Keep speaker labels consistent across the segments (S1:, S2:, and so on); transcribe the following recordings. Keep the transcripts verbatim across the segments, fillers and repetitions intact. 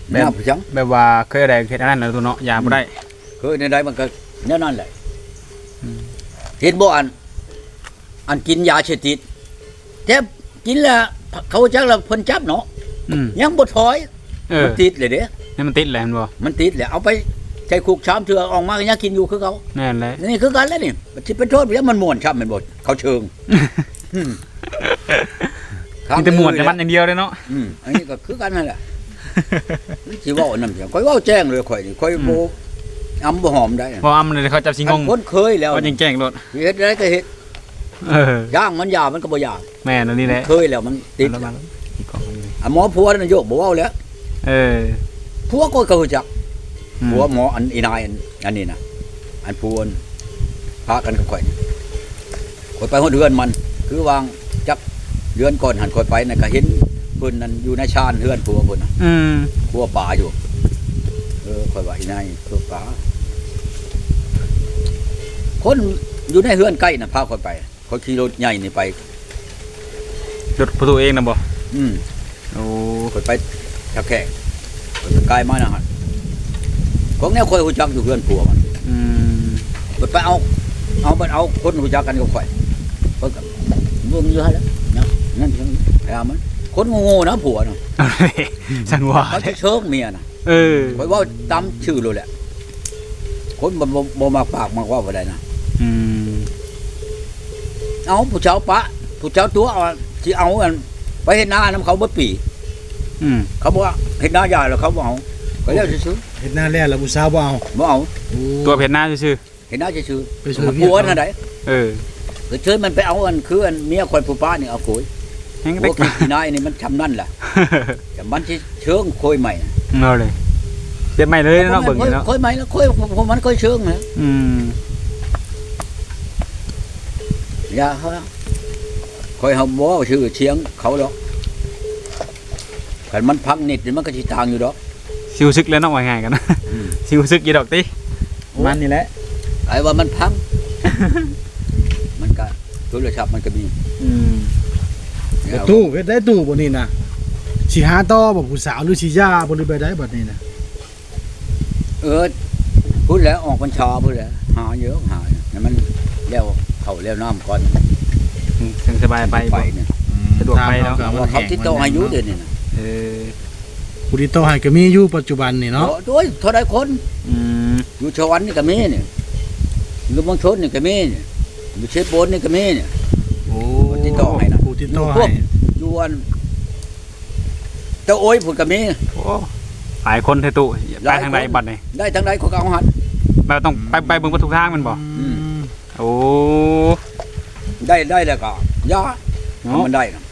S1: แบบจัง
S2: แบบว่าเคยได้เฮ็ดอันนั้นแล้วตัวเนาะยาบ่ได้
S1: เคยในใดมันก็แน่นอนแหละเห็นบ่อันอันกินยาเสพติดแต่กินแล้วเขาจักแล้วเพิ่นจับเนาะยังบ่ถอยมันติดเลยเด้
S2: นี่มันติดแหละมันบ่
S1: มันติดแหละเอาไปใช้คุกชามเถื่อออกมาก็ยังกินอยู่คือเขา
S2: แน่นเลย
S1: นี่คือกันแล้วนี่สิเป็นโทษแล้วมันม่วนช้ำแม่นบ่เขาเชิง
S2: มีแต่ม่วนแต่มันอย่างเดียวเลยเนาะ
S1: อืมอันนี้ก็คือกันนั่นแหละสิเว้านำเสียงข่อยเว้าแจ้งเลยข่อยนี่ข่อยบ่อำบ่หอมได้
S2: บ่อำเลยเขาจับสิงง
S1: คนเคยแล้ว
S2: ก็แจ้งๆโลด
S1: เฮ็ดได้ก็เฮ็ด
S2: เอ
S1: อย่างมันยามันก็บ่ยา
S2: แม่นอันนี้แหละ
S1: เคยแล้วมันติดอ่ะหมอผัวนั่นโยกบ่เว้าแล้ว
S2: เออ
S1: ผัวก็ก็รู้จักผัวหมออันอีนายอันนี้น่ะอันผัวพากันกับข่อยข่อยไปฮอดเดือนมันคือวางจักเดือนก่อนหันข่อยไปน่ะก็เห็นเพิ่นนั่นอยู่ในชานเฮือนผัวเพิ่นน่ะ
S2: อืม
S1: ผัวป่าอยู่เออข่อยว่าอีนายผัวป่าคนอยู่ในเฮือนใกล้น่ะพาข่อยไปข่อยขี่รถใหญ่นี่ไป
S2: รถประตูเองน่ะบ่
S1: อืม
S2: โอ้
S1: ข่อยไปจักแขกข่อยไปไกลมานะฮะของแนวข่อยฮู้จักอยู่เฮือนผัวมัน
S2: อืม
S1: ข่อยไปเอาเอาไปเอาคนฮู้จักกันกับข่อยเพิ่นก็เบิ่งอยู่หั่นแหละเนาะนั่นจังพยายามมันคนโง่ๆนะผัวน่ะ
S2: ฉันว่า
S1: เขาสิเชิงเมียน่ะ
S2: เออ
S1: ข่อยเว้าตามชื่อโลดแหละคนบ่บ่มักปากมักเว้าบ่ได้นะ
S2: อืม
S1: เอาผู้เจ้าปะผู้เจ้าตัวเอาสิเอาอันไปเฮ็ดนานํเขาบ่ปี
S2: อืม
S1: เขาบอกว่าเฮ็ดนาใหญ่แล้วเขาบ่เอาก็แล้วซื่อ
S3: ๆเฮ็ดนาแล้วแล้วผู้สาวบ่เอา
S1: บ่เอา
S2: ตัวเฮ็ดนาซื่อ
S1: เฮ็ดนาซื่อ
S3: ๆไปซื้อ
S1: ผัวนั่นได้
S2: เออ
S1: คือเชิญมันไปเอาอันคืออันเมียข่อยผู้ป้านี่เอาโขย
S2: แฮง
S1: ได้กินนายนี่มันชำนั่นแหละแต่มันสิเชิงโคยใหม่
S2: เอาเลยเฮ็ดใหม่เลยเนาะเบิ่งนี่เนาะ
S1: โคยใหม่แล้วโคยผมมันโคยเชิงนะ
S2: อืม
S1: อย่าเฮาคอยเฮาบ่ชื่อเชียงเขาดอกคันมันพังนิดนี่มันก็สิต่างอยู่ดอก
S2: สิรู้สึกแล้วเนาะว่าง่ายกันนะสิรู้สึกอยู่ดอกติมันนี่แหละ
S1: ไอ้ว่ามันพังมันก็โทรศัพท์มันก็มี
S2: อืม
S3: ตู้เฮ็ดได้ตู้บ่นี่น่ะสิหาต่อบ่ผู้สาวหรือสิยาบ่หรือไปได้บัดนี้น่ะ
S1: เออพูดแล้วออกพรรษาพูดแล้วหาเยอะหาเนี่ยมันแล้วเข้าแล้วน้ำก่อน
S2: ถึงสบายไป
S1: ไปเนี่ย
S2: สะดวกไปแล้ว
S1: เขาติดต่ออายุเดือนนี่นะ
S2: เออ
S3: ผู้ติดต่อให้ก็มีอยู่ปัจจุบันนี่เนาะ
S1: โอ้ยเท่าใดคนอยู่ชวันนี่ก็มีนี่อยู่บางชนนี่ก็มีนี่อยู่เชฟโบนนี่ก็มีนี่
S3: โอ้
S1: ติดต่อให้นะ
S3: ผู้ติดต่อให้
S1: อยู่อันเจ้าโอ้ยพูดก็มี
S2: โอ้หลายคนเทตุไปทางใดบัดนี่
S1: ได้ทางใดเขาก็เอาหัน
S2: แบบต้องไปไปเบิ่งทุกทางมันบ่โอ้
S1: ได้ได้แล้วก็ยามันได้นะ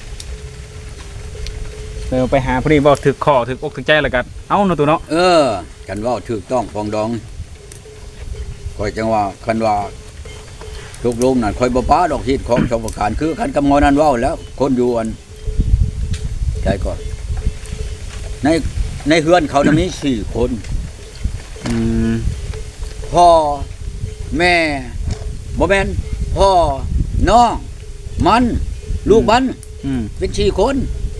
S2: เออไปหาพอดีบ่ถึกคอถึกอกถึกใจแล้วกันเอ้าเนาะตัวเนาะ
S1: เออกันว่าถูกต้องปองดองคอยจังว่าคันว่าทุกลมนั่นคอยบ่ป้าดอกฮิตของชาวประการคือคันกำมอนั้นเว้าแล้วคนอยู่อันใจก่อนในในเฮือนเขาน่ะมีสี่คน
S2: อืม
S1: พ่อแม่บ่แม่นพ่อน้องมันลูกมันเป็นสี่คน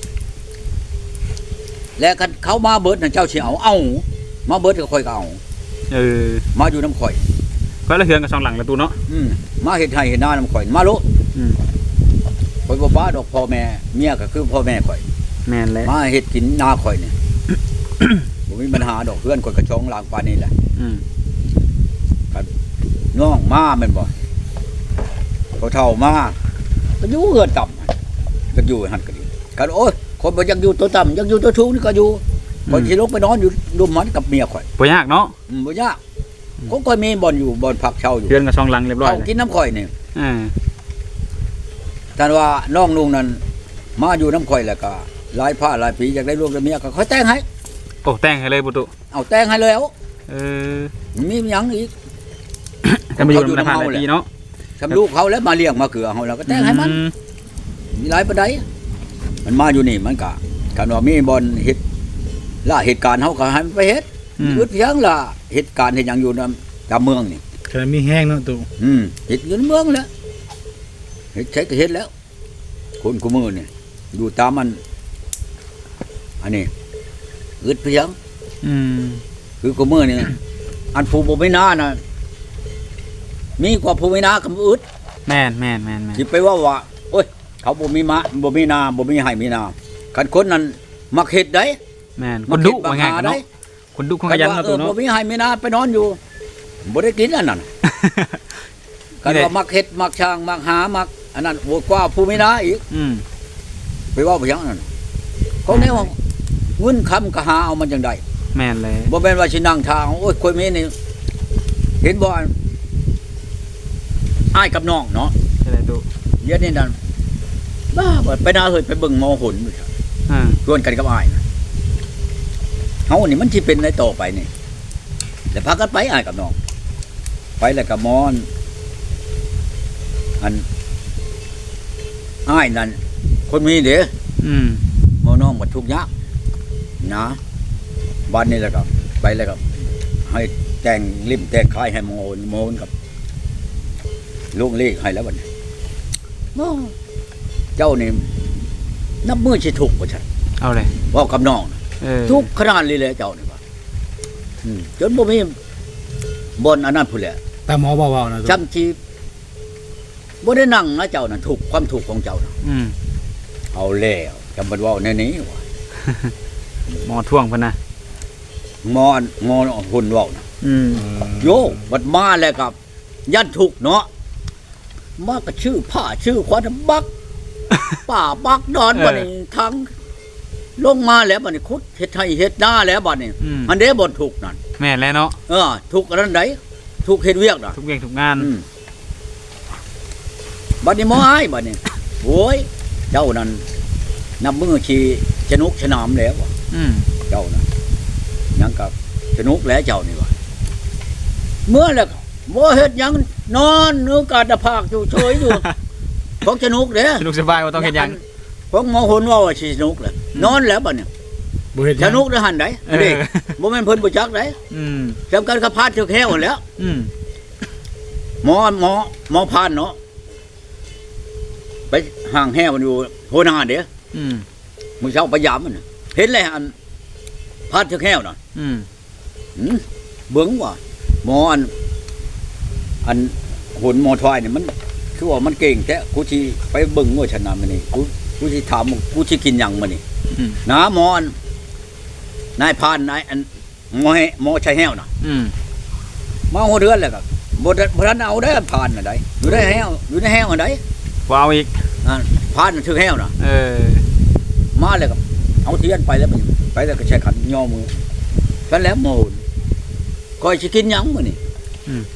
S1: แล้วกันเขามาเบิดน่ะเจ้าสิเอาเอามาเบิดก็ค่อยก็เอา
S2: เออ
S1: มาอยู่น้ำข่อย
S2: ก็ละเฮือนกับสองหลังละตูเนาะ
S1: อืมมาเฮ็ดให้เฮ็ดนาน้ำข่อยมาโล
S2: อืม
S1: ข่อยบ่ป้าดอกพ่อแม่เมียก็คือพ่อแม่ข่อย
S2: แม่นแล้ว
S1: มาเฮ็ดกินนาข่อยนี่ บ่มีปัญหาดอกเพื่อนข่อยก็ช่องลางปานนี้แหละ
S2: อืม
S1: ครับน้องมาแม่นบ่เขาเฒ่ามาก็อยู่เฮือนต่ำก็อยู่หั่นก็ดีกันโอ้ยคนบ่อยากอยู่ตัวต่ำอยากอยู่ตัวสูงนี่ก็อยู่ข่อยสิลงไปนอนอยู่รุมมันกับเมียข่อย
S2: บ่ยากเนาะ
S1: อืมบ่ยากก็ค่อยมีบ่อนอยู่บ่อนพักเช่าอยู่
S2: เฮือนกับสองหลังเรียบร้อย
S1: เอากินน้ำข่อยนี่
S2: อ่า
S1: ท่านว่าน้องลุงนั้นมาอยู่น้ำข่อยแล้วก็หลายผ้าหลายปีอยากได้ลูกได้เมียก็ค่อยแต่งให้
S2: โอ้แต่งให้เลยบุตุ
S1: เอาแต่งให้แล้ว
S2: เออ
S1: มีหยังอีก
S2: แต่มาอยู่ในผ่านหลายปีเนาะ
S1: ทำลูกเขาแล้วมาเลี้ยงมาเกลือเฮาแล้วก็แต่งให้มันมีหลายปานใดมันมาอยู่นี่มันก็คันว่ามีบ่อนเฮ็ดล่าเหตุการณ์เฮาก็ให้มันไปเฮ็ดอึดเพียงล่ะเหตุการณ์เฮ็ดหยังอยู่นำตามเมืองนี่
S3: ก็มีแห้งเนาะตู่
S1: อืมเฮ็ดอยู่ในเมืองแล้วเฮ็ดใช้ก็เฮ็ดแล้วคนกูมือนี่อยู่ตามมันอันนี้อึดเพียง
S2: อืม
S1: คือกูมื้อนี่อันผู้บ่มีนาน่ะมีกว่าผู้มีนาก็อึด
S2: แม่นแม่นแม่นแม่น
S1: สิไปว่าว่าโอ้ยเขาบ่มีมะบ่มีนาบ่มีให้มีนาคันคนนั้นมักเฮ็ดได้
S2: แม่นคนดุว่าง่ายกันเนาะคนดุคนขยัน
S1: คั
S2: เนาะ
S1: ว่า
S2: ตัว
S1: เออ
S2: เนาะ
S1: บ่มีให้มีนาไปนอนอยู่บ่ได้กินอันนั้นคันว่ามักเฮ็ดมักช่างมักหามักอันนั้นโหดกว่าผู้มีนาอีก
S2: อืม
S1: ไปเว้าไปหยังนั่นเขาแนวว่าเงินคำก็หาเอามันจังได๋
S2: แม่นเลย
S1: บ่แม่นว่าสินั่งทางโอ้ยคนมีนี่เห็นบ่อ้ายกับน้องเนาะ
S2: ใช่เลยตุ
S1: เดี๋ยวนี้นั่นบ้าบ่ไปนาเฮ้ยไปเบิ่งหมอหนอยู่ครับ
S2: อ่า
S1: ชวนกันกับอ้ายนะเฮานี่มันสิเป็นได้ต่อไปนี่แล้วพากันไปอ้ายกับน้องไปแล้วก็หมอนอันอ้ายนั่นคนมีเด้
S2: อืม
S1: หมอน้องบ่ทุกข์ยากนะวันนี้แล้วก็ไปแล้วก็ให้แต่งริมแต่งคายให้หมอโอนหมอโอนกับลูกเลขให้แล้วบัดนี้โอ้เจ้านี่นับมือสิถูกบ่ซั่น
S2: เอาเลย
S1: เว้ากับน้องน่ะ
S2: เออ
S1: ทุกขนาดนี้เลยเจ้านี่ว่าอืมจนบ่มีบนอันนั้นพุ่นแหละ
S3: แต่หมอเบาๆนะ
S1: จำจีบ่ได้นั่งนะเจ้าน่ะถูกความถูกของเจ้าน่ะ
S2: อืม
S1: เอาแล้วจำบ่เว้าแนวนี้ว่ะ
S2: หมอท่วงเพิ่นนะ
S1: งอนงอนหุ่นเว้าน่ะ
S2: อืม
S1: โยบัดมาแล้วกับยันถูกเนาะมาก็ชื่อผ้าชื่อควันบัก ป่าบักดอนบัดนี้ทั้งลงมาแล้วบัดนี้คุดเฮ็ดให้เฮ็ดหน้าแล้วบัดนี้
S2: อืม
S1: อันเด้บ่ถูกนั่น
S2: แม่นแล้วเนาะ
S1: เออถูกอันนั้นไดถูกเฮ็ดเวียกน่ะ
S2: ทุกเวียงทุกงาน
S1: อืมบัดนี้หมออ้ายบัดนี้โอ้ยเจ้านั่นนับมือชีชนุกชนามแล้วว่ะ
S2: อืม
S1: เจ้านั่นยังกับชนุกแล้วเจ้านี่ว่ะเมื่อแล้วบ่เฮ็ดหยังนอนเนื้อกาดภาคอยู่เฉย อยู่ ของชนุกเด้
S2: สนุกสบายบ่ต้องเฮ็ดหยัง
S1: ของหมอหนว่าว่าสิชนุกแหละนอนแล้วบัดนี้
S3: บ่เฮ็ดห
S1: ช
S3: ยัง
S1: นุกได้หันได
S2: เออ
S1: เด้บ่แม่นเพิ่นบ่จักได
S2: อืม
S1: จำกันกับพาดถึกแฮวแล้ว
S2: อืม
S1: หมอหมอหมอพานเนาะไปห่างแห้มันอยู่โหนาเด้อ
S2: อืม
S1: มึงเช้าพยายามมันน่ะเห็นเลยอันพาดถึกแห้วน่ะ
S2: อืม
S1: หืมเบิ่งว่าหมออัน อันหุ่นหมอทวายนี่มันคือว่ามันเก่งแท้กูสิไปเบิ่งว่าชนะมันนี่กูกูสิถามมึงกูสิกินหยังมันนี่
S2: อืม
S1: นะหมออันนายพานนายอันหมอให้หมอชัยแห้วน่ะ
S2: อืม
S1: มาหัวเดือนแล้วก็บ่ได้บ่ทันเอาได้พานน่ะได้อยู่ได้แห้วอยู่ในแห้วอันใด
S2: บ่เอาอีก
S1: อ่าพานมันถึกแห้วน่ะ
S2: เออ
S1: มาเลยกับเอาเทียนไปแล้วมันไปแล้วก็ใช้ขันย่อมือกันแล้วโมนคอยสิกินหยังมื้อนี่
S2: อืม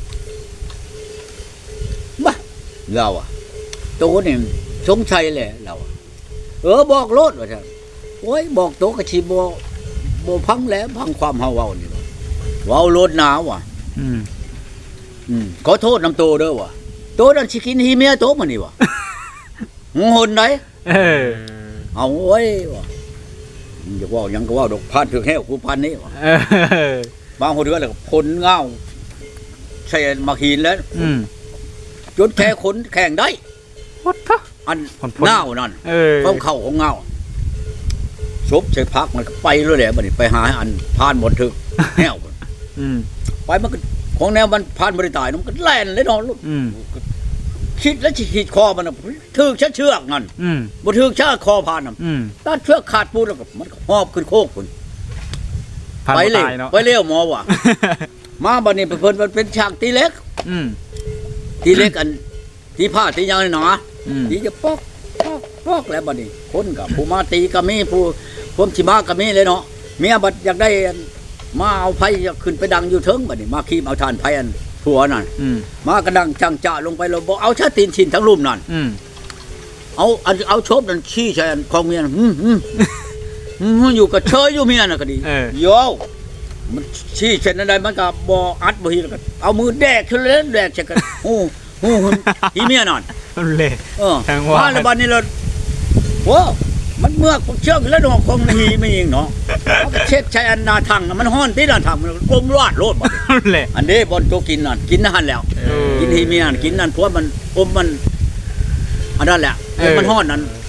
S1: บ้าเราอ่ะโตนี่สงสัยแหละเราอะเออบอกโลดว่าซั่นโอ้ยบอกโตก็สิบ่บ่พังแล้วพังความเฮาเว้านี่ว่ะเว้าโลดหนาว่ะ
S2: อืม
S1: อืมขอโทษนำโตเด้อว่ะโตนั่นสิกินฮีเมียโตมื้อนี่ว่ะ งงหนได
S2: เออ
S1: เอาโอ้ยว่ะอย่าเว้าหยังก็เว้าดอกพานถึกแห้วกูพันนี่ว่ะ
S2: เออบ
S1: างคนก็เลยพลเงาใส่มาหินแล้ว
S2: อืม
S1: จนแค่ขนแข่งได้
S2: วัดทะ
S1: อัน
S2: พ่นๆ
S1: เงานั่น
S2: เออ
S1: ต้องเข้าของเงาซบใส่พักมันก็ไปเลยแหละบัดนี้ไปหาอันพานบนถึก แห้ว
S2: อืม
S1: ไปมันก็ของแนวมันพานบริตายมันก็แล่นเลยเนอนลูก
S2: อืม
S1: คิดแล้วขีดคอมันน่ะถึกชัเชือกนั่น
S2: อืม
S1: บ่ถึกชาคอพานน่ะ
S2: อืม
S1: ตัดเชือกขาดปูนแล้วก็มันก็หอบขึ้นโคกพุ่น
S2: ผ่าน
S1: ไป
S2: บ่
S1: เลย
S2: ตายเนาะ
S1: ไปเร็วหมอว่ะ มาบัดนี้เพิ่นมันเป็นฉากตีเล็ก
S2: อืม
S1: ตีเล็กอันที่ผ้าตียาวหนา
S2: อืม
S1: ตีจะปอกปอกปอกแล้วบัดนี้คนกับผู้มาตีก็มีผู้ผมสิมาก็มีเลยเนาะเมียบัดอยากได้อันมาเอาไผขึ้นไปดังอยู่เทิงบัดนี้มาคีบเอาทานไผอันผัวนั่น
S2: อืม
S1: มากระดังจังจะลงไปแล้วบ่เอาชาตีนชินทั้งลุ่มนั่น
S2: อืม
S1: เอาอันเอาโชบนั่นขี้ใส่อันของเมียนั่นหืมหืมหืมอยู่กับเชยอยู่เมียน่ะก็ดี
S2: เออ
S1: โยมันชี้เช่นนั้นมันก็บ่อัดบ่ฮีแล้วก็เอามือแดกขึ้นเลยแดกใส่กันโอ้โหอีเมียนั่น
S2: เละ
S1: เออ
S2: ทางว่า
S1: มาแล้วบัดนี้เราโว้มันเมือกเชือกแล้วดอกคงหีไม่ยิงเนาะมันก็เช็ดใช้อันนาทังน่ะมันฮ้อนที่นาทังมันอมรอดโลดบัดนี้
S2: เละ
S1: อันนี้บอนโตกินนั่นกินนั่นแล้ว
S2: เออ
S1: กินหีเมียนั่นกินนั่นเพราะมันอมมันอันนั้นแหละ
S2: เออ
S1: มันฮ้อนนั่น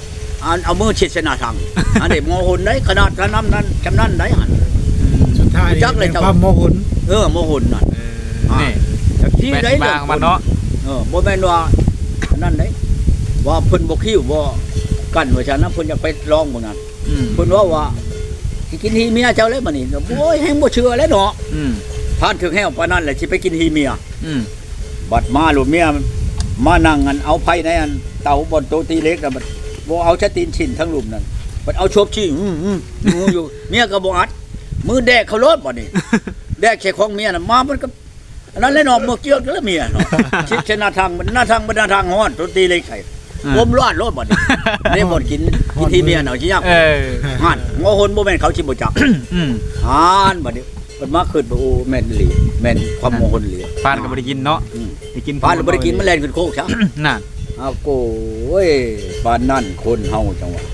S1: อันเอามือชิดชนะทางอันนี้โมโหนได้ขนาดนั้นนั้นจำนั้นได้หัน
S3: สุดท้ายนี่
S1: จักเลย
S3: เป็น
S1: เจ้า
S3: ความโมโหน
S1: เออโมโหนนั่น
S2: เออนี่
S1: จากที่
S2: แม่
S1: ได้
S2: นมาของมันเนาะ
S1: เออบ่แม่นว่านั่นได้ว่าเพิ่นบ่คิ้วบ่กั้นว่าฉันนะเพิ่นอยากไปลองบ่นั้น
S2: อืม
S1: เพิ่นว่าว่าสิกินฮีเมียเจ้าเลยบัดนี้โอ้ยแฮงบ่เชื่อแล้วเนาะ
S2: อืม
S1: ผ่านถึงแฮวปานนั้นแหละสิไปกินฮีเมีย
S2: อืม
S1: บัดมาลูกเมียมานั่งกันเอาไผในอันเตาบนโต๊ะตีเล็กน่ะบัดบ่เอาชะตีนชิ้นทั้งลุมนั่นบัดเอาชบชี้อือๆงูอยู่เมียก็บ่อัดมือแดกเขารถบัดนี้ แดกแค่ของเมียน่ะมามันก็อันนั้นเลยเนาะเมื่อเกี่ยวกันแล้วเมียเนาะ ชิดชนะทางมันหน้าทางมันหน้าทางฮ้อนโต๊ะตีเล็กไข่อมร้อนรถบัดนี้ได้บ่กินกินที่เมียเนาะสิยาก
S2: เออ
S1: ห่านงอหนบ่แม่นเขาสิบ่จัก
S2: อืม
S1: ห่านบัดนี้เพิ่นมาขึ้นบ่โอ้แม่นอีหลีแม่นความโมโหนอีหลี
S2: ปานก็บ่ได้กินเนาะ
S1: อืม
S2: ได้กิน
S1: ปานบ่ได้กินมันแล่นขึ้นโคกซะ
S2: น่ะ
S1: อ้าวโก้ยปานนั่นคนเฮาจังหวะ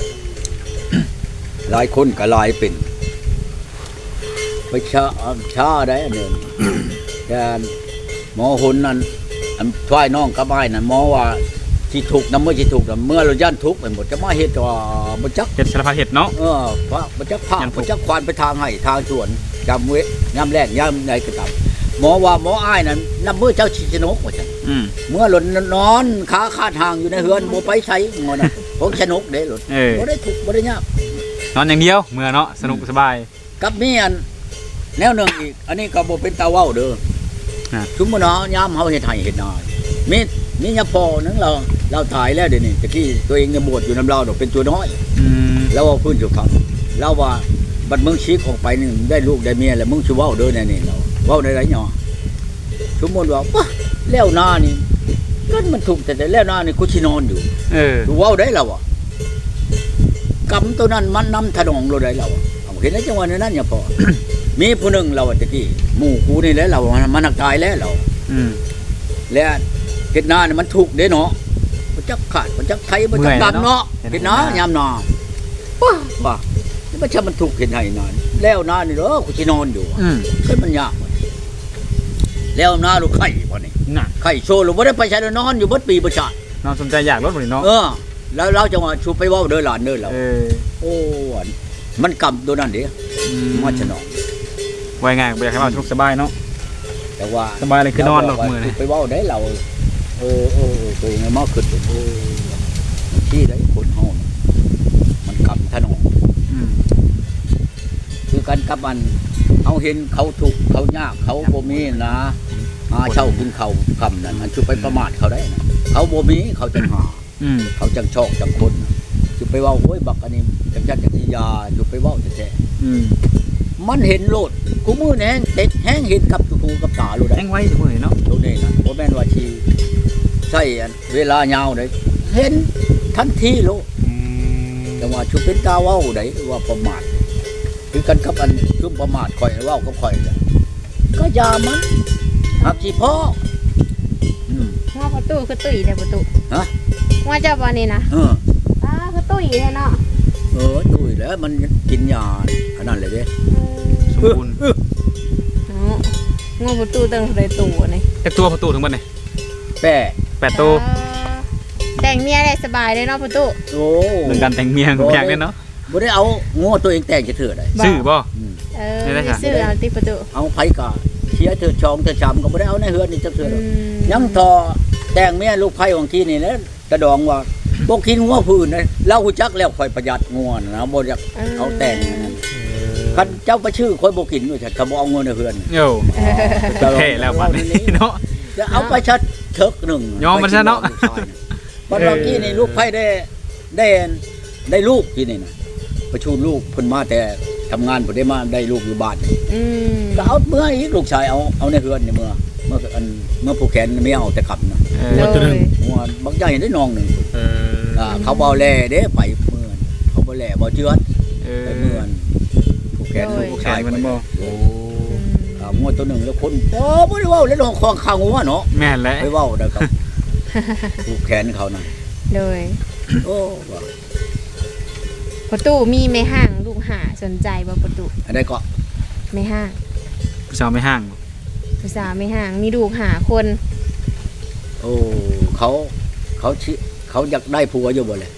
S1: หลายคนก็หลายเป็นไปชาชาได้อันเดิม แต่หมอหุนนั่นอันช่วยน้องกับอ้ายนั่นหมอว่าสิถูกนำเมื่อสิถูกนำเมื่อเราย่านทุกข์ไปหมดจะมาเฮ็ดว่าบ่จัก
S2: เฮ็ดสารพัดเฮ็ดเนาะ
S1: เออพระบ่จักพา
S2: ย่านทุกข์
S1: บ่จักควานไปทางให้ทางสวนจำเว้ยามแรกยามใดก็ตามหมอว่าหมออ้ายนั่นนำเมื่อเจ้าชิชนกว่าซั่น
S2: อืม
S1: เมื่อหล่นนอนขาคาดห่างอยู่ในเฮือนบ่ไปใช้งอน่ะของชนกเด้หล่น
S2: เออ
S1: บ่ได้ทุกข์บ่ได้ยาก
S2: นอนอย่างเดียวเมื่อเนาะสนุกสบาย
S1: กับมีอันแนวหนึ่งอีก อันนี้ก็บ่เป็นตาเว้าเด้อ
S2: ฮะ
S1: ชุมมื้อเนาะยามเฮาเฮ็ดให้เฮ็ดนามีมียาพอนึงเราเราถ่ายแล้วเดี๋ยวนี้ตะกี้ตัวเองเนี่ยบวชอยู่นำเราดอกเป็นตัวน้อย
S2: อืม
S1: แล้วว่าพื้นสุขังเราว่าบัดมึงชิกออกไปนี่ได้ลูกได้เมียแล้วมึงสิเว้าเด้อแน่นี่เราเว้าได้ไรหยอชุมมื้อว่าปะแล้วหน้านี่ก็มันถูกแต่แต่แล้วหน้านี่กูสินอนอยู่
S2: เออ
S1: ดูเว้าได้แล้วอ่ะกรรมตัวนั้นมันนำถนองเราได้แล้วอะเอาเห็นแล้วจังหวะนั้นอย่าพอ มีผู้หนึ่งเราอะตะกี้หมู่กูนี่แหละเรามันนักตายแล้วเรา
S2: อืม
S1: แล้วเฮ็ดนาเนี่ยมันถูกเด้เนาะบ่จักขาดบ่จักไทยบ่จักดำเนาะเฮ็ดนายามนาว้าว่านี่มันจะมันถูกเฮ็ดให้นานแล้วนานี่เด้อกูสินอนอยู่อะ
S2: อืม
S1: เพิ่นมันยากว่ะแล้วนาลูกไข่บ่นี่
S2: น่ะ
S1: ไข่โซลบ่ได้ไปใช้นอนอยู่เบิดปีบ่ชาติ
S2: นอนสนใจอยากรถบ่นี่เนาะ
S1: เออ แล้วเราจะว่าชูไปเว้าเด้อหลานเด้อเรา
S2: เออ
S1: โอ้อันมันกำตัวนั้นเด้
S2: อืม
S1: มาฉนอง
S2: ไว้ง่ายบ่อยากให้ว่าสนุกสบายเนาะ
S1: แต่ว่า
S2: สบายเลยคือนอนดอกมื้อ
S1: นี่
S2: นี่
S1: ไปเว้าได้เราเออเออเออตัวเองมาขึ้นโอ้มันที่ได้คนเฮาน่ะมันกำถนอง
S2: อืม
S1: คือกันกับมันเอาเห็นเขาถูกข์เขายากเขาบ่มีนะหาเช่ากินเขาวคำนั้นมันชุไปประมาทเขาได้นะเขาบ่มีเขาจังหา
S2: อืม
S1: เขาจังชอกจังคนชุไปเว่าโอ้ยบักอันนี้จังจัดจังสิยาชุไปเว่าแท้
S2: อืม
S1: ๆมันเห็นโลดกูมือแห้งเต็ดแห้งเห็นกับตูกับตาโลดได้
S2: แห้งไว้มื้อนี่เนาะ
S1: ตัวนี้นะบ่แม่นว่าชีใช่อันเวลายาวได้เห็นทันทีโลด
S2: อืม
S1: แต่ว่าชุเป็นตาเว้าได้ว่าประมาทคือกันกับอันชุประมาทข่อยเว้ากับข่อยเนี่ยก็อยามันหักสิพ่ออืม
S4: ว่าประตูคือตุ้ยเด้อประตู
S1: ฮะ
S4: ว่าเจ้าบ่นี่นะ
S1: เออ
S4: อ้าคือตุ้ยแท้เนาะ
S1: เออดูอีกแล้วมันกินยาขนาดเลยเด้
S2: สมบูรณ์
S4: เนาะงอประตูตั้งได้ตู้นี่
S2: จักตัวประตูถึงบัดนี่
S1: แป้
S2: แปดตัว
S4: อ่าแต่งเมียได้สบายเลยเนาะประตู
S1: โอ้
S2: เรื่องการแต่งเมียของอยากเลยเนาะ
S1: บ่ได้เอางัวตัวเองแต่งจะเถื่อได้
S2: ซื้อบ่
S1: อืม
S4: เออ
S2: ได้ค่ะ
S4: ซื้อเอาติประตู
S1: เอาไผกะเชียเถื่อชองเถื่อชำก็บ่ได้เอาในเฮือนนี่จะเถื่อ
S4: อื
S1: ดอก
S4: ม
S1: ยังทอแต่งเมียลูกไผของที่นี่แหละกระดองว่าบ่กินงัวผู้อื่นนะเราฮู้จักแล้วค่อยประหยัดงัวนะบ่อยากเอาแต่งอันนั้นคันเจ้าไปชื่อค่อยบ่กินด้วยฉันก็บ่เอางัวในเฮือน
S2: โย่เท่แล้วบัดนี้เนาะ
S1: จะเอาไปชัดเถิกหนึง
S2: ยอมมันซะเนาะ
S1: บัดเมื่อกี้นี่ลูกไผได้ได้ได้ลูกที่นี่นะประชูลูกเพิ่นมาแต่ทำงานเพิ่นได้มาได้ลูกอยู่บ้าน
S4: อืม
S1: ก็เอาเมื่ออีกลูกชายเอาเอาในเฮือนนี่เมื่อเมื่ออันเมื่อผู้แขนไม่เอาแต่ขับนะ
S2: เอ
S4: โด
S2: อย
S3: ตัวหนึ่ง
S1: หัวบางอย่างเห็นได้นองหนึ่ง
S2: เออ
S1: อ่าเขาเบาแล่เด้ไปเมื่อนเขาเบาแล่เบาเจือด
S2: เออ
S1: ไปเมื่อนผู้แขนลูกผู้
S2: แข
S1: ชาย
S2: นมันบ่
S1: โอ้
S4: อืม
S1: อ่างัวตัวหนึ่งแล้วคนโอ้ไม่ได้เว่าแล้วนองคลองข้างงัวเนาะ
S2: แม่นแหละ
S1: ไปเว่าได้ครับผู้แขนเขานะ
S4: โดย
S1: โอ้ว่า
S4: ประตูมีไม่ห่างลูกหาสนใจบ่ประตู
S1: อันใดก็
S4: ไม่ห่าง
S2: ผู้สาวไม่ห่าง
S4: ผู้สาวไม่ห่างมีลูกหาคน
S1: โอ้เขาเขาชิเขาอยากได้ผัวอยู่บ่เลย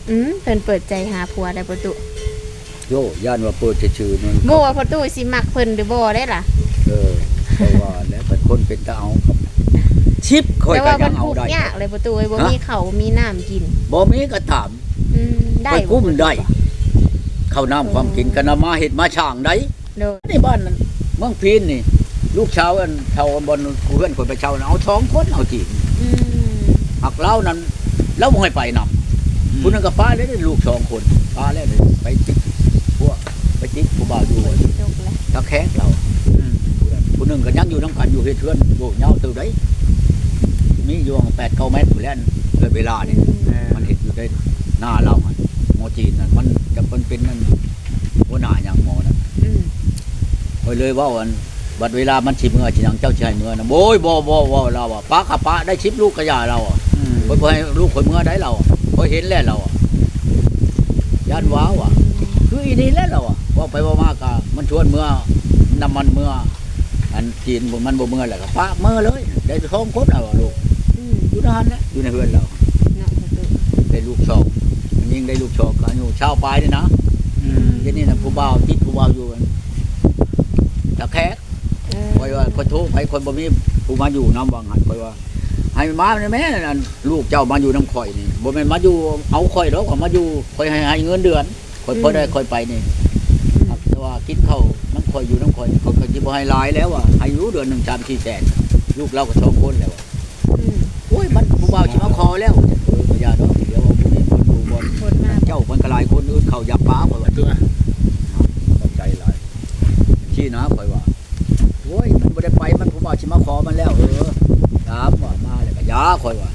S4: อืมเพิ่นเปิดใจหาผัวได้ประตู
S1: โยย่านว่าเปิดชื่อๆนั่น
S4: บ่ว่าประตูสิมักเพิ่นหรือบ่ได้ล่ะ
S1: เออเพราะว่าแล้วเป็นคนเป็นตาเอาครับชิปค่อย
S4: แต่
S1: ก็
S4: ว่า
S1: ยั
S4: มัน
S1: งเอา
S4: ทุกข์
S1: ได้
S4: ยากเลยประตูเอ้ยบ่
S1: ฮะ
S4: มีข้าวมีน้ำกิน
S1: บ่มีก็ถาม
S4: อืมได้
S1: ไป
S4: บ่
S1: กุ้ม
S4: ประตู
S1: ได้ข้าวน้ำความกินกันเอามาเฮ็ดมาช่างได้
S4: โดย
S1: ในบ้านนั้นเมืองพีนนี่ ลูกชาวอันชาวบนเพื่อนคนไปเช่าน่ะเอาสองคนเอาจีบ
S4: อืม
S1: หักเล่านั้นแล้วบ่ให้ไปนำผู้นึงก็ป้าเลยได้ลูกสองคนป้าแล้วเลยไปจิกพวกไปจิกผู้บ่าวอยู่
S4: จบแล้ว
S1: ตะแคงเรา
S2: อืม
S1: ผู้นึงก็ยังอยู่น้ำกันอยู่เฮ็ดเทือนโยกเหย้าตื่นได้มีอยู่แปดเก้าเมตรอยู่แล้วเลยเวลานี่
S2: เออ
S1: มันเห็นอยู่ได้หน้าเราอะหมอจีนนั่นมันจะเป็นเป็นนั่นหัวหน้าอย่างหมอนั่น
S4: อืม
S1: คอยเลยเว่าวันบัดเวลามันชิมเมื่อชินังเจ้าชายเมื่อนะโอ้ยบ่บ่บ่เราอ่ะป้าขับป้าได้ชิปลูกกระยาเราอ่ะ
S2: อืม
S1: คอยบ่ให้ลูกคอยเมื่อได้เราคอยเห็นแล้วเราอ่ะย่านว้าวอ่ะคืออีนี่แล้วเราอ่ะว่าไปว่ามากะมันชวนเมื่อนำมันเมื่ออันจีนบ่มันบ่เมื่อแหละก็ป้าเมื่อเลยได้ท้องคนเอาอะลูก
S4: อืม
S1: อยู่นั่นแหละอยู่ในเฮือนเรา
S4: เนาะประตู
S1: ได้ลูกสองมันยิ่งได้ลูกสองก็อายุชาวปลายนี่นะ
S2: อืม
S1: เดี๋ยวนี้นะผู้บ่าวติดผู้บ่าวอยู่กันตะแคก
S4: เออ
S1: คอยว่าคนโทรไปคนบ่มีผู้มาอยู่น้ำวังหันคอยว่าให้มาแม่นั่นลูกเจ้ามาอยู่น้ำข่อยนี่บ่แม่นมาอยู่เอาข่อยหรอกว่ามาอยู่ข่อยให้ให้เงินเดือนข่อยพอได้ข่อยไปนี่ครับแต่ว่ากินข้าวน้ำข่อยอยู่น้ำข่อยนี่ข่อยก็สิบ่ให้หลายแล้วอ่ะให้อยู่เดือนหนึง สาม สี่แสนลูกเราก็สองคนแล้วอะ
S4: อืม
S1: โอ้ยมันผู้บ่าวสิมาขอแล้วเออก็อย่าดอกเดี๋ยวเอาผู้นี้คนผู้บ่
S4: คนมา
S1: เจ้ามันก็หลายคนอื่นเขาอยากป้าข่อยว่า
S3: ตัว
S1: เข้าใจหลายชี้นะข่อยว่าโอ้ยมันบ่ได้ไปมันผู้บ่าวสิมาขอมันแล้วเออถามว่ามาแล้วก็ยาข่อยว่า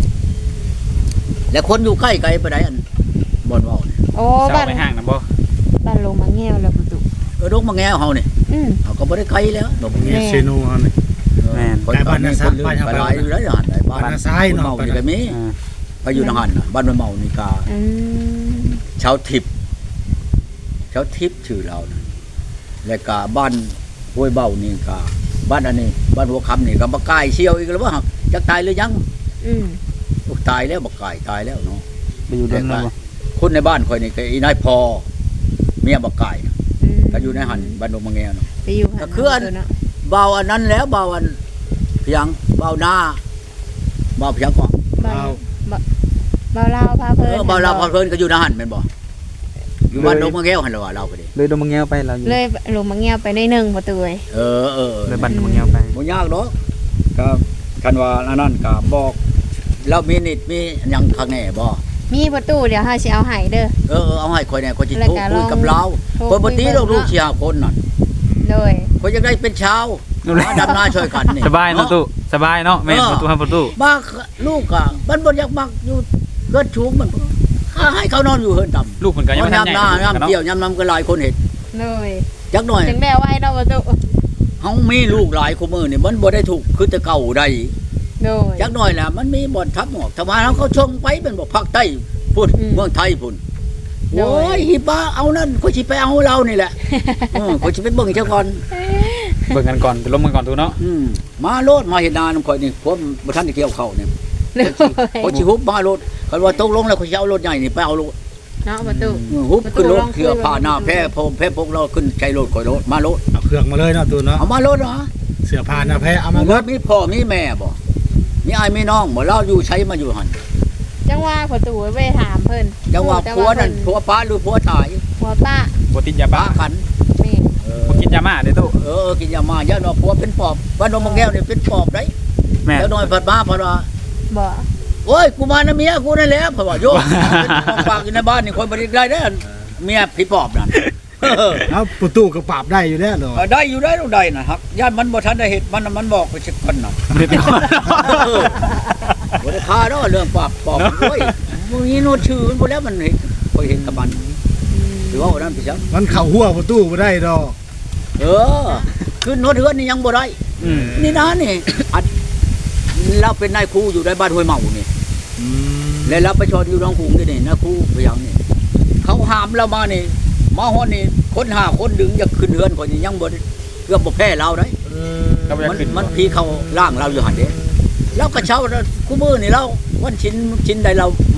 S1: แล้วคนอยู่ใกล้ไกลไปไหนอันบ่อนเว้านี่
S4: โอ้
S2: เศร้า
S4: บ้าน
S2: ไปห้างนะบ่
S4: บ้านลงมาแง้วแล้วประตู
S1: เออดงมาแง้วเฮานี่
S4: อืม
S1: เฮาก็บ่ได้ไกลแล้วดงมาแง้ว
S3: เซโนเฮานี่
S1: ข่อยก็มีคนลืมไปหลายอยู่แล้วหั่นไอ้บ้าน
S3: บ้านนาซ้ายเนาะ
S1: เมานี่ก็มี
S2: อ่า
S1: ไปอยู่ทางหั่นน่ะบ้านมันเมานี่กา
S4: อืม
S1: ชาวทิพย์ชาวทิพย์ชื่อเรานะแล้วก็บ้านห้วยเบานี่ก็บ้านอันนี้บ้านหัวคำนี่ก็บ่กายเชียวอีกแล้วว่าจักตายหรือยัง
S4: อืม
S1: โอ้ตายแล้วบ่กายตายแล้วเนาะ
S2: ไปอยู่เดินแล้วบ่
S1: คนในบ้านข่อยนี่ก็อีนายพอเมียบ่กายน่ะ
S4: อืม
S1: ก็อยู่ในหั่นบ้านดงมะแงวเนาะ
S4: ไปอยู่หัน
S1: ก็คืออัน
S4: เนาะ
S1: เบาอันนั้นแล้วเบาอันเพียงเบาหน้าเบาเพียงก็
S4: บ้านบ่บ่าวลาวพา
S1: เอ
S4: เพิ่น
S1: อเบาเราพอเพิ่นก็อยู่ในหั่นแม่นบ่อยู่บ้านดงมะแงวหั่นล่ะว่าเราก็ดี
S2: เลยโดนมังแงวไปเราอยู่
S4: เลยลงมาแง้วไปได้หนึ่งประตูเอ้ย
S1: เออเออ
S2: เลยบันมังแงวไป
S1: บ่ยากดอกก็คันว่าอันนั้นก็บอกแล้วมีนิดมีหยังข้างแน่บ่
S4: มีประตูเดี๋ยวเฮาสิเอาให้เด้อ
S1: เออเออเอาให้ข่อยแน่ข่อยสิ
S4: แล้ว
S1: โทร
S4: ก็
S1: คุยกับ
S4: ลอง
S1: เรา
S4: โทร
S1: ข่อยบ่ตีดอก
S4: คุย
S1: ลูก
S4: เนาะ
S1: สี่ห้าคนน่ะ
S4: โดย
S1: ข่อยอยากได้เป็นชาวมาดำนาช่วยกันนี่
S2: สบายเนาะตู้สบายเนาะแม่นประตูให้ประตู
S1: บ้าลูกอ่ะมันบ่อยากมักอยู่เกิดชูงมันข้าให้เขานอนอยู่เฮือนต่ำ
S2: ลูกมันก็ยังไม่ทัน
S1: ยาม
S2: ให
S1: ห
S2: ญ่
S1: น้ายาม
S2: เนาะ
S1: เกี่ยวยามน้ำก็หลายคนเห็น
S4: โดย
S1: จักหน่อย
S4: จังได้ไว้เนาะประตู
S1: เฮามีลูกหลายคู่มือนี่มันบ่ได้ถูกคือแต่เก่าใด
S4: โดย
S1: จักหน่อยแหละมันมีบ่อนทับหมอกถ้ามาแล้วเขาชงไปเป็นบ่ภาคใต้พุ่น
S4: อืม
S1: เมืองไทยพุ่น
S4: โดย
S1: โอ้ยฮิบ้าเอานั่นเขาสิไปเอาเรานี่แหละเออเขาสิไปเบิ่งเจ้าก่อน
S2: เบิ่งกันก่อนไปล้มกันก่อนตู้เนาะ
S1: อืมมาโลดมาเห็นหน้านำข่อยนี่ผมบ่ทันได้เกี่ยวเข้าวเนี่ย
S4: โดย
S1: เขาสิฮุบมาโลดคันว่าตกลงแล้วเขาสิเอารถใหญ่นี่ไปเอาโลด
S4: เนาะประตู
S1: อืมฮุบขึ้นรถ
S4: ประตูลองคุย
S1: เคือผ้าหน้าแพ้พรมแพ้พกเราขึ้นใช้รถข่อยรถมาโลด
S3: เอาเครื่องมาเลยเนาะตัวเนาะ
S1: เอามาโลดเหรอ
S3: เสื้อผ้าหน้าแพ้เอามา
S1: มา
S3: เบิ
S1: ร
S3: ด
S1: ถมีพ่อมีแม่บ่มีอ้ายมีน้องบ่เราอยู่ใช้มาอยู่หั่น
S4: จังว่าประตูไปถามเพิ่น
S1: จังว่าผัวนั่นผัวป้าหรือผัวตาย
S4: ผัวป้า
S2: บ่ติดยา
S1: ป้า
S2: บ้า
S1: กัน
S4: แม่
S1: เออ
S2: บ่กินยามาเด้อตู้
S1: เออกินยามาย่าเนาะผัวเป็นปอบบ้านดงมะแก้วนี่เป็นปอบได้
S2: แม่
S1: แล้วน้อยผัดมาผัดว่า
S4: บ่
S1: โอ้ยกูมานะเมียกูนั่นแหละผัดว่าโยมเป็นของฝากอยู่ในบ้านนี่คนบ่ได้ได้เด้อเมียพี่ปอบนั่นเออ
S3: แล้วประตูก็ปราบได้อยู่แล้วเนาะ
S1: เออได้อยู่ได้ลูกได้นะครับญาติมันบ่ทันได้เฮ็ดมันน่ะมันบอกไปสักคนน่ะ
S2: บ่ได้ติด
S1: เออบ่ได้ฆ่าเนาะเรื่องปอบปอบโอ้ยมึงนี่โนชื่อมันบ่แล้วมันเห็นบ่เห็นกับมันถือว่าอันนั้นพี่จัง
S3: มันเข้าหัวประตูบ่ได้ดอก
S1: เออขึ้นโนเทือนนี่ยังบ่ได้
S2: อืม
S1: นี่นะนี่อัดเราเป็นนายครูอยู่ในบ้านห้วยเมานี่
S3: อืม
S1: แล้วเราไปชอนอยู่น้องคุงนี่นี่นะครูพยังนี่เขาห้ามเรามานี่มาฮอดนี่คนห้าคนดึงจะขึ้นเฮือนคนนี้ยังบ่ได้เกือบบ่แพ้เราได้
S3: เออ
S2: ก็บ่อยาก
S1: มัน
S2: ขึ้น
S1: มันพีเขาล่างเราอยู่หั่นเด้แล้วก็เช้าคู่มือนี่เราวันชิ้นชิ้นใดเรามาเป่าคุก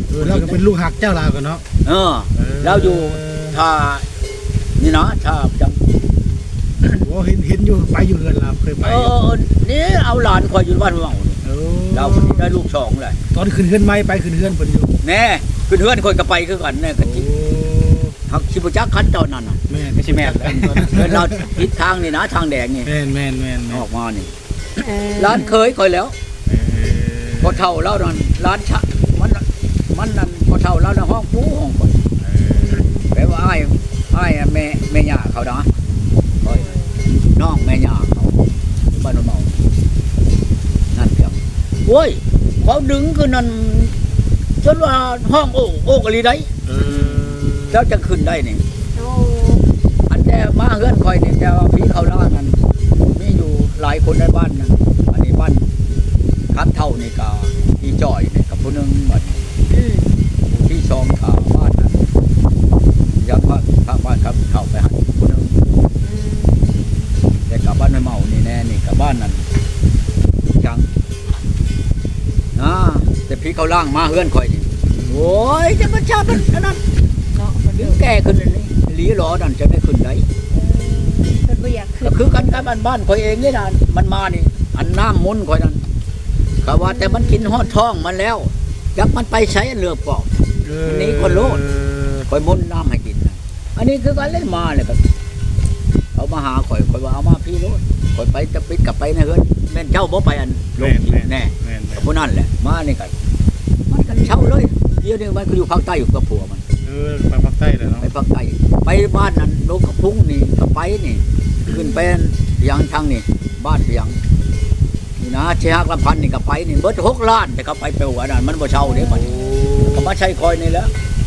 S3: เออเราก็เป็นลูกหักเจ้าลาวกันเนาะ
S1: เออเราอยู่ถ้านี่นะถ้าจำ
S3: โอ้เห็นเห็นอยู่ไปอยู่เรือนเราเคยไป
S1: เออนี่เอาหลานคอยอยู่บ้านเมานี่
S3: เออ
S1: เราคนนี้ได้ลูกสองเลย
S3: ตอนขึ้นเฮือนไม้ไปขึ้นเฮือนเพิ่นอยู่
S1: แน่ขึ้นเฮือนคนก็ไปคือกันแน่กะ
S3: โอ้
S1: จิหักชิบุจักคันตอนนั้นน่ะ
S3: แม่น
S2: ไม่ใช่แม่น
S3: กันตอนนั้น
S1: เดินเราทิศทางนี่นะทางแดงนี่
S3: แม่นแม่นแม่นแม่
S1: อน อกมานี่
S4: เออ
S1: ร้านเคยคอยแล้ว
S3: เออ
S1: พอเท่าแล้วนั่นร้านชะมันมันนั่นพอเท่าแล้วนะห้องปูห้องคนแปลว่าอ้ายอ้ายแม่แม่ย่าเขานะคอยน้องแม่ย่าเขาบ้านเมานั่นเพียงโอ้ยเขาดึงคือนั่นจนว่าห้องโอ้โอ้กะลีได้
S3: เออ
S1: แล้วจะขึ้นได้นี่
S4: โอ้
S1: อันแต่มาเฮือนคอยนี่แต่ว่าพี่เขาล่านั้นมีอยู่หลายคนในบ้านนั้นอันนี้บ้านคันเท่านี่ก็พี่จอยนี่กับผู้หนึงหมด
S4: อืม
S1: ที่ชองขาบ้านนั้นยังว่าข้างบ้านครับเข้าไปหันผู้หนึง
S4: อืม
S1: แต่กับบ้านไม่เมานี่แน่นี่กับบ้านนั้นจังนะแต่พี่เขาล่างมาเฮือนคอยนี่โอ้ยจะมาชามันอันนั้น
S4: เนาะเพิ่น
S1: เดี๋ยวแก่ขึ้นเลยหลีหลอนั่นจะไม่ขึ้นได้
S4: เพิ่นบ่อยากขึ้
S1: ก็
S4: น
S1: คือกันกับบ้านบ้านคอยเองนี่นะมันมานี่ อันน้ำมุนคอยนั่นเขาว่าแต่มันกินหอดท้องมันแล้วจักมันไปใช้เรือปอก
S3: เออ
S1: อันนี้คนโลด คอยมุนน้ำให้กินนะอันนี้คือการเล่นมาเลยครับเขามาหาคอยคอยว่าเอามาพี่โลดคอยไปจะปิดกลับไปนะเฮือนแม่นเช่าบ่ไปอันล
S3: แม่
S1: ง
S3: น
S1: ที่
S3: แม่น
S1: แน่
S3: แม่นแม่
S1: กับ
S3: น
S1: ผู้นั่นแหละมานี่กันมันกันเช่าเลยเดี๋ยวนี้มันก็อยู่ภาคใต้อยู่กับผัวมัน
S3: เออไปภาคใต้เลยเนาะ
S1: ไปภาคใต้ไปบ้านนั้นลงกระพุ้งนี่ก็ไปนี่ ขึ้นไปเพียงทางนี่บ้านเพียงนี่นะเชียร์ลำพันธ์นี่ก็ไปนี่เบิดหกล้านแต่ก็ไปเปลวนั่นมันบ่เช่าเด้มันก็มาใช้คอยนี่แหล้ว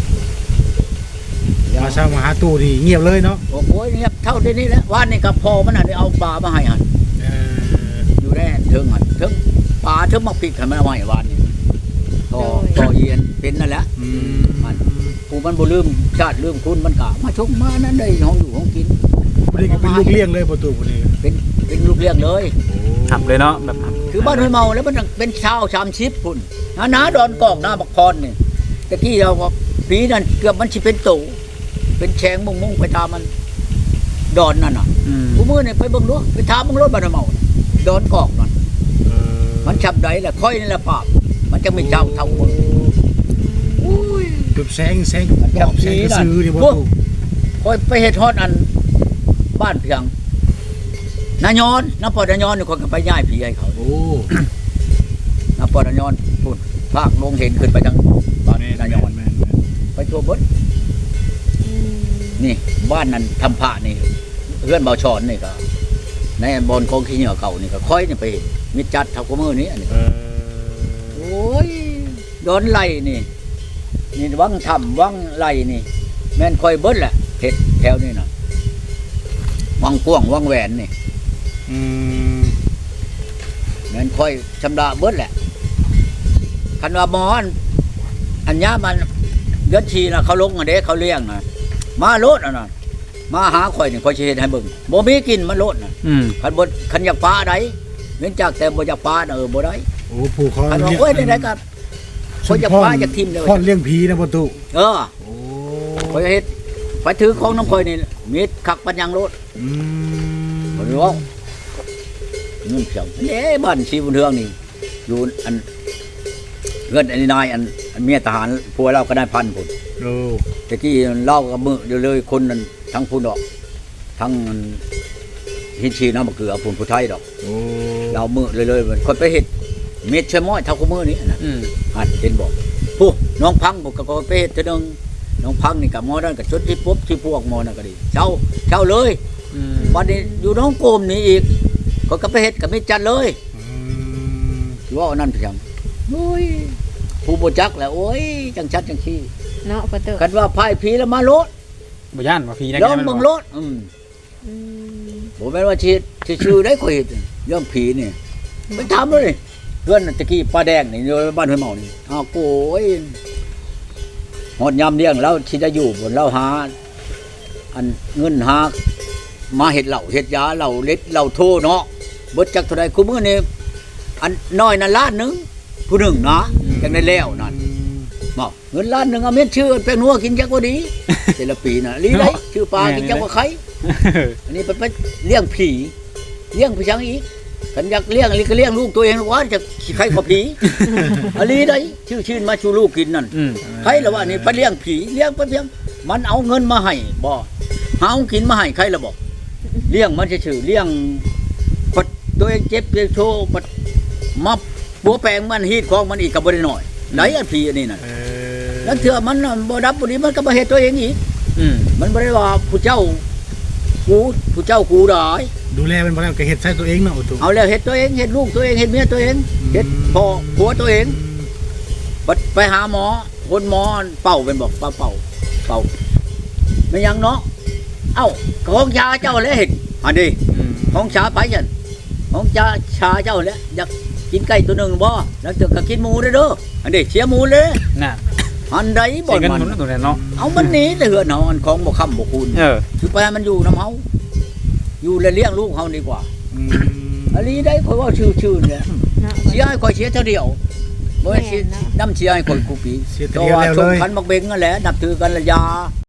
S3: มาเช้ามาหาตู้นี่เงียบเลยเนาะ
S1: โอ้โหเงียบเท่าเดี๋ยวนี้แหล้วว่านนี่ก็พอมันน่ะได้เอาปลามาให้หัน
S3: เออ
S1: อยู่แน่เทิงหันเทิงปลาเทิงมักพริกให้มันเอามาให้วานนี่ต่อต่อเยียนเป็นนั่นแหละ
S3: อืม
S1: มันผู้มันบ่ลืมชาติลืมคุณมันก็มาชกมานั่นได้ห้องอยู่ห้องกิน
S3: บ่ได้ก็เป็นลูกเลี้ยงเลยประตูบ่ได้ก็
S1: เป็นเป็นลูกเลี้ยงเลย
S2: ขับเลยเนาะแบบ
S1: คือบ้านห้วยเมาแล้วมันเป็นชาวชามชิปพุ่นนะนาดอนกอกหน้าบักพรนี่ตะกี้เราว่าปีนั้นเกือบมันสิเป็นตู่เป็นแฉงมุงมุงไปตามมันดอนนั่นน่ะ
S2: อืม
S1: ผู้มือนี่ไปเบิ่งดูไปถามมึงรถบ้านห้วยเมาน่ะดอนกอกนั่น
S3: เออ
S1: มันฉับใดแหละค่อยนี่แหละปราบมันจะไม่เจ้าเท่ามึงอุ้ย
S3: จุดแสงแสง
S1: มัน
S3: บ
S1: จั
S3: อบ กแสง
S1: สี
S3: กระ
S1: นั่น
S3: ซื้อนี่บ่
S1: พวก
S3: ตู้
S1: ค่อยไปเฮ็ดฮอดอันบ้านเพียงนายอนน้าปอดนายอนนี่คนก็ไปย้ายผีให้เขา
S3: โอ้
S1: น้าปอดนายอนพุ่นภาคลงเห็นขึ้นไปทางบ้าน
S3: แม่น
S1: นายอน
S3: แม่นแม่น
S1: ไปทั่วเบด
S4: อืม
S1: นี่บ้านนั้นทำพระนี่เพื่อนเบาชอนนี่ก็ในบอนกองขี้เหนียวเก่านี่ก็ค่อยนี่ไปมิดจัดเท่ากับมือนี้อันนี้
S3: เออ
S1: โอ้ยโดนไล่นี่นี่วังทำวังไล่นี่ แม่นค่อยเบิดแหละเห็ดแถวนี่นะวังกว้างวังแหวนนี่
S3: อืม
S1: แม่นค่อยชำระเบิดแหละคันว่าหมออันอันยามันเดือนชีนะเขาลงอันเด้เขาเลี้ยงนะมาโลดอันนั้นมาหาข่อยนี่ข่อยสิเฮ็ดให้เบิ่งบ่มีกินมันโลดน่ะ
S2: อืม
S1: คันบ่คันอยากปลาใดเว้นจากแต่บ่อยากปลาน่ะเออบ่ได้
S3: โอ้ผู้เขา
S1: คันว่า
S3: เลี้ยง
S1: โอ้ยได้ๆก็ข่อยอยากปลาอยากทิ่มเลย
S3: พ่อนเลี้ยงผีนะประตู
S1: เออ
S3: โอ้
S1: ข่อยเฮ็ดไปถือของน้ำข่อยนี่มีดคักปัญญังโลด
S3: อืม
S1: บ่รู้ว่าเงินเพียงเด้บ้านชีบุญเทืองนี่อยู่อันเงินอันนี้นายอันอันเมียทหารผัวเราก็ได้พันพุ่น
S3: โอ้
S1: ตะกี้เล่ากับมือเดียวเลยคนนั้นทั้งผู้ดอก ทั้งหินชีน้ำมะเกลือพุ่นผู้ไทยดอก
S3: โอ้
S1: เรามือเลยเลยๆคนไปเห็ดเม็ดเชยม้อยเท่ากับมือนี้นะ
S2: อืม
S1: หัดเห็นบอกผู้น้องพังบอกก็ไปเห็ดเท่านึงน้องพังนี่กับหมอนั่นกับชุดที่ปุ๊บที่พวกหมอนั่นก็ดีเช่าเช่าเลย
S2: อืม
S1: วันนี้อยู่น้องโกมนี่อีกคนก็ไปเห็ดกับเม็ดจันเลย
S3: อืม
S1: ว่าเอานั่นเพียงโอ้ยผู้บจักแหละโอ้ยจังชัดจังขี้
S4: เนาะประตู
S1: กันว่าพายผีแล้วมาโลด
S2: บ่ย่านว่าฟรีนะ
S1: ลองเบิ่งโลดอืม
S4: อืม
S1: ผมแม่นว่าชีชีชื่อได้ข่อยเห็นเรื่องผีนี่ไปทำเลยเพื่อนตะกี้ป้าแดงนี่อยู่บ้านห้วยเมานี่อ้าวโก้ยหอดยำเลี้ยงแล้วที่จะอยู่บนเราหา อันเงินหามาเห็ดเหล่าเห็ดยาเหล่าเล็ดเหล่าโทเนาะเบิดจักเท่าใดคู่มือนี่อันน้อยนั่นล้านหนึงผู้หนึ่งนะจังได้แล้วนั่น
S3: อืม
S1: เนาะเงินล้านหนึงเอาเม็ดชื่อเป็นนัวกินจักว่าดี แต่ละปีน่ะลีได้ชื่อปลากินจักว่าไข่อันนี้เป็นไปเลี้ยงผีเลี้ยงผีชังอีกกันอยากเลี้ยงอันนี้ก็เลี้ยงลูกตัวเองว่าจะใครกว่าผี อันนี้ได้ชื่อชื่นมาชูลูกกินนั่น
S2: อืม
S1: ใครละว่านี่ไปเลี้ยงผีเลี้ยงไปเพียงมันเอาเงินมาให้บ่หาเอากินมาให้ใครละบอกเลี้ยงมันชื่อๆเลี้ยงปัดตัวเองเจ็บเจ็บโชว์ปัดมาปัวแปลงมันฮีดของมันอีกก็บ่ได้น้อยไหนอันผีอันนี้น่ะ
S2: เออ
S1: แล้วเถื่อมันน่ะบ่ดับบ่ดีมันก็มาเฮ็ดตัวเองอีก
S2: อืม
S1: มันบ่ได้ว่าผู้เจ้ากูผู้เจ้ากูได้
S3: ดูแลเป็นบ่แล้วก็เฮ็ดใส่ตัวเองเนาะโอ้ตู้
S1: เอาแล้วเฮ็ดตัวเองเฮ็ดลูกตัวเองเฮ็ดเมียตัวเองเฮ็ดพ่อผัวตัวเองบัดไปหาหมอคนหมอเป่าเป็นบอกเป่าเป่าเป่าไม่ยังเนาะเอ้าของชาเจ้าแล้วเห็นอันนี้
S2: อืม
S1: ของชาไปฉันของชาชาเจ้าแล้วอยากกินไก่ตัวหนึงบ่แล้วเจอก็กินหมูเด้อเด้ออันนี้เสียหมูเลย
S2: น่ะ
S1: อันใดบ่
S2: ใส่เงิน
S1: มั
S2: หมุน
S1: น
S2: ตัวนั้นเนาะ
S1: เอามันหนีแต่เหือนเฮาอันของบ่ค้ำบ่คูณ
S2: เออ
S1: คือไปให้มันอยู่น้ำเฮาอยู่และเลี้ยงลูกเฮาดีกว่า
S3: อืม
S1: อันนี้ได้ข่อยว่าชื่อๆเนี่ย
S4: เนาะ
S1: เชียร์ให้ข่อยเชียร์เท่าเดียวบ่ให้เชียร์
S4: แม่นเนาะ
S1: น้ำเชียร์ให้ข่อยกูปี
S3: เสีย
S1: เพ
S3: แต่
S1: ราะ
S3: เดียว
S1: ว่า
S3: แล้ว
S1: ส
S3: เล
S1: ม
S3: ย
S1: คัญบักเบงนั่นแหละนับถือกันละยา